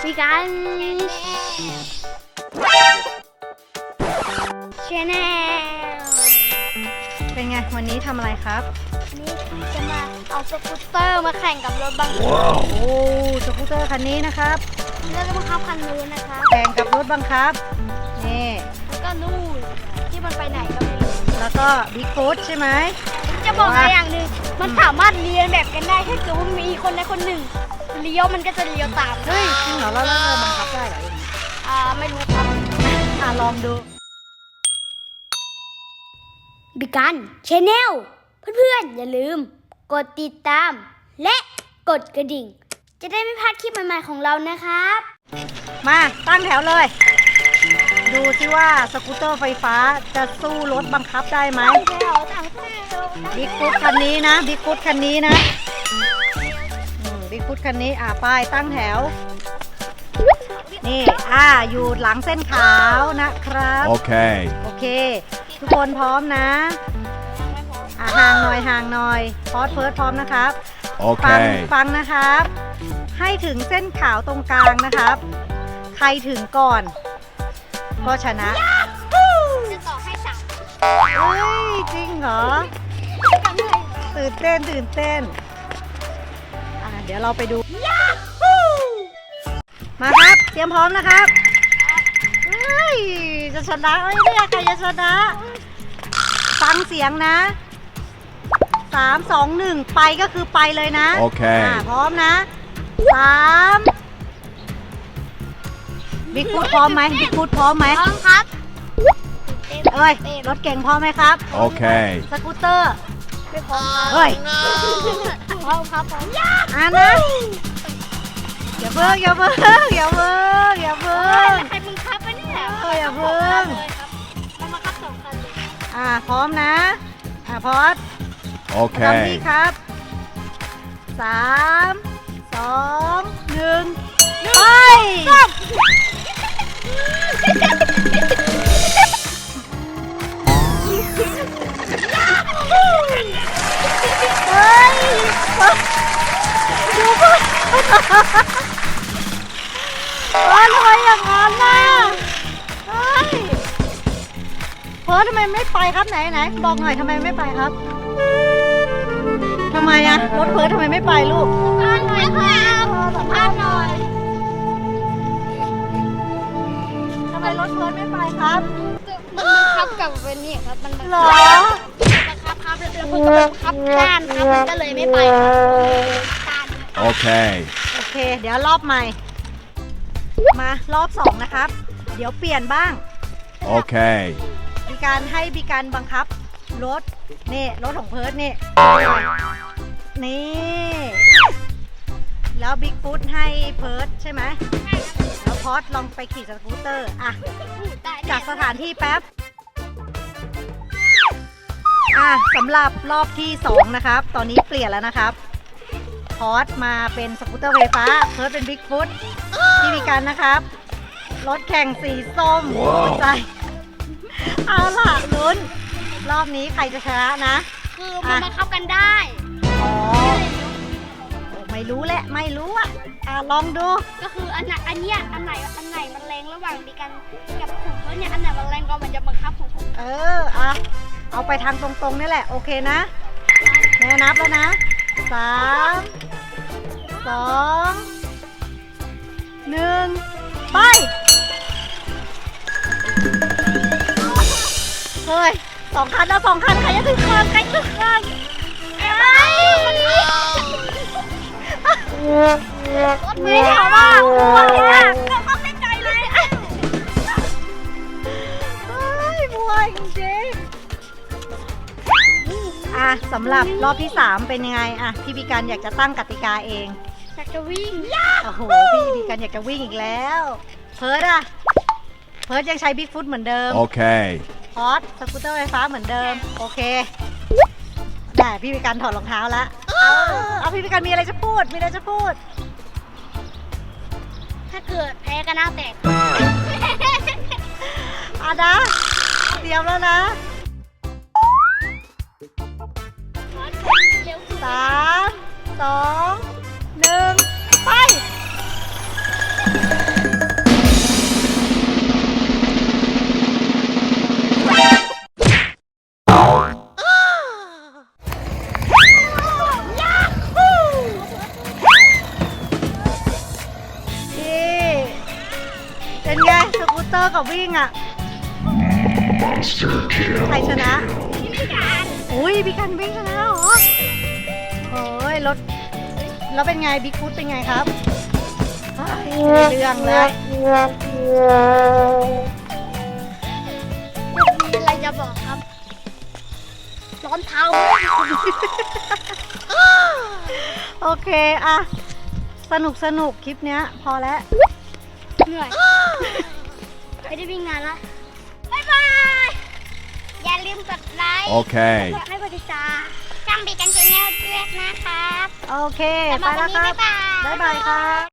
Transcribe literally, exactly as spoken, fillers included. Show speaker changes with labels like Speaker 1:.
Speaker 1: พี่กันชาแนล
Speaker 2: เป็นไงวันนี้ทำอะไรครับ
Speaker 1: นี่จะมาเอาสกูตเตอร์มาแข่งกับรถบังคับ
Speaker 2: โอ้สกูตเตอร์คันนี้นะครับ
Speaker 1: แล้วก็บังคับคันนู้นนะคะ
Speaker 2: แข่งกับรถบังคับนี่
Speaker 1: แล้วก็นู่นที่มันไปไหนก็ไม่รู้
Speaker 2: แล้วก็บิ๊กฟูดใช่ไหม
Speaker 1: จะบอกอะไรอย่างหนึ่งมันสามารถเรียนแบบกันได้ถ้าเกิดว่ามีคนใดคนหนึ่งเลี้ยวมันก็จะเลี้ยวตาม
Speaker 2: เฮ้ยจริงเหรอแล้วเราบังคับได้เหรอ
Speaker 1: อ่าไม่รู้ครับ
Speaker 2: อ่าลองดู
Speaker 1: บิกันชาแนลเพื่อนๆอย่าลืมกดติดตามและกดกระดิ่งจะได้ไม่พลาดคลิปใหม่ๆของเรานะครับ
Speaker 2: มาตั้งแถวเลยดูสิว่าสกูตเตอร์ไฟฟ้าจะสู้รถบังคับได้ไหมบิ๊กฟุตคันนี้นะบิ๊กฟุตคันนี้นะบิ๊กฟุตคันนี้อ่าป้ายตั้งแถวนี่อ่าอยู่หลังเส้นขาวนะครับ
Speaker 3: โอเค
Speaker 2: โอเคทุกคนพร้อมนะอ่าห่างหน่อยห่างหน่อยพอดเฟิร์สพร้อมนะครับ
Speaker 3: โอเค
Speaker 2: ฟังฟังนะครับให้ถึงเส้นขาวตรงกลางนะครับใครถึงก่อนก็ชนะ
Speaker 1: จะต่อให้สาม
Speaker 2: เฮ้ยจริงเหรอตื่นเต้นตื่นเต้นอ่าเดี๋ยวเราไปดูมาครับเตรียมพร้อมนะครับเฮ้ยจะชนะไม่ได้ใครจะชนะฟังเสียงนะสามสองหนึ่งไปก็คือไปเลยนะ
Speaker 3: โอเค
Speaker 2: อ่าพร้อมนะสามบิ๊กฟูดพร้อมไหมบิ๊กฟูดพร้อมไหม
Speaker 1: พร้อมครับ
Speaker 2: เอ้ยรถเก่งพร้อมไหมครับ
Speaker 3: โอเค
Speaker 2: สกูตเตอร์
Speaker 1: ไม่พร้อม
Speaker 2: เฮ้ย
Speaker 1: พร้อมครับพร้อม
Speaker 2: อ่านะอย่าเพิ่งอย่าเพิ่งอย่าเพิ่งอย่าเพิ่ง
Speaker 1: ใครมึงคับไปเนี่ย
Speaker 2: เอออย่าเพิ่ง
Speaker 1: มันมาคับสองคันเลย
Speaker 2: อ่าพร้อมนะอ่าพอด
Speaker 3: โอเค
Speaker 2: ทำดีครับสามสองหนึ่งไปเฮ้ยดูเพื่อนเฮ้ยทำไมอย่างนั้นน่ะเฮ้ยเพิร์ททำไมไม่ไปครับไหนไหนบอกหน่อยทำไมไม่ไปครับทำไมอะรถเพิร์ททำไมไม่ไปลูก
Speaker 1: สัมภาษณ์หน่อยครับสัมภาษณ์หน่อย
Speaker 2: ทำไมรถเพิร์ทไม่ไปครับ
Speaker 1: มันบังคับกับเป็นนี่ครับมันบังคับ
Speaker 2: หรอ
Speaker 1: บังคับครับแล้วเพื่อนก็บังคับด้านครับมันก็เลยไม่ไปครับ
Speaker 3: โอเค
Speaker 2: โอเคเดี๋ยวรอบใหม่มารอบสองนะครับเดี๋ยวเปลี่ยนบ้าง
Speaker 3: โอเค
Speaker 2: มีการให้มีการบังคับรถนี่รถของเพิร์ทนี่นี่แล้วบิ๊กฟุตให้เพิร์ทใช่ไหมแล้วพอดลองไปขี่สกูตเตอร์อะจากสถานที่แป๊บอ่ะสำหรับรอบที่สองนะครับตอนนี้เปลี่ยนแล้วนะครับพอดมาเป็นสกูตเตอร์ไฟฟ้าเพิร์ทเป็นบิ๊กฟุตที่มีการนะครับรถแข่งสีส้มหัวใจเอาล่ะลุ้นรอบนี้ใครจะชนะนะ
Speaker 1: คือมันมาเข้ากันได้
Speaker 2: อ๋อไม่รู้แหละไม่รู้อ่ะอ่ะลองดู
Speaker 1: ก็คืออันไหนอันเนี้ยอันไหนอันไหนมันแรงระหว่างดีกันกับของเขาเนี่ยอันไหนมันแรงก็มันจะบังคับของผม
Speaker 2: เอออ่ะเอาไปทางตรงๆนี่แหละโอเคนะแม่นับแล้วนะสามสองหนึ่งไปเฮ้ยสองคันแล้วสองคันใครจะถึงคันใครถึงคัน
Speaker 1: รถไม่ถามว่าวันนี้ก็เข้าไม่ใจเลย
Speaker 2: เฮ้ยบัวจริงๆอ่ะสำหรับรอบที่สามเป็นยังไงอ่ะพี่พิการอยากจะตั้งกติกาเอง
Speaker 1: อยากจะวิ่ง
Speaker 2: โอ้โหพี่พิการอยากจะวิ่งอีกแล้วเพิร์ดอ่ะเพิร์ดยังใช้บิ๊กฟุตเหมือนเดิม
Speaker 3: โอเค
Speaker 2: พอดสกูตเตอร์ไฟฟ้าเหมือนเดิมโอเคได้พี่พิการถอดรองเท้าแล้วเอาเอาพี่พิการมีอะไรจะพูดมีอะไรจะพูด
Speaker 1: ถ้าเกิดแพ้ก็น่าแตก
Speaker 2: อานะเตรียมแล้วนะสามสองหนึ่งไปเตอร์กับวิ่งอ่ะใครชนะอุ้ยพี่กันวิ่งชนะเหรอโอ้ยรถแล้วเป็นไงบิ๊กฟุตเป็นไงครับเรื่องเลย
Speaker 1: มีอะไรจะบอกครับ ร้อนเท้า
Speaker 2: โอเคอะสนุกสนุกคลิปเนี้ยพอแล้ว
Speaker 1: เหนื่อย ไม่ได้วิ่งนานละบ๊ายบาย อย่าลืมกดไลค์
Speaker 3: Okay.
Speaker 1: กดไลค์กดติดตามช่องบีกันชาแนลด้วยนะครับ
Speaker 2: โอเค
Speaker 1: สำห
Speaker 2: ไป
Speaker 1: รับวั
Speaker 2: แล้
Speaker 1: น
Speaker 2: ว
Speaker 1: นี้
Speaker 2: ครับ
Speaker 1: บ๊ายบาย
Speaker 2: บ๊ายบายครับ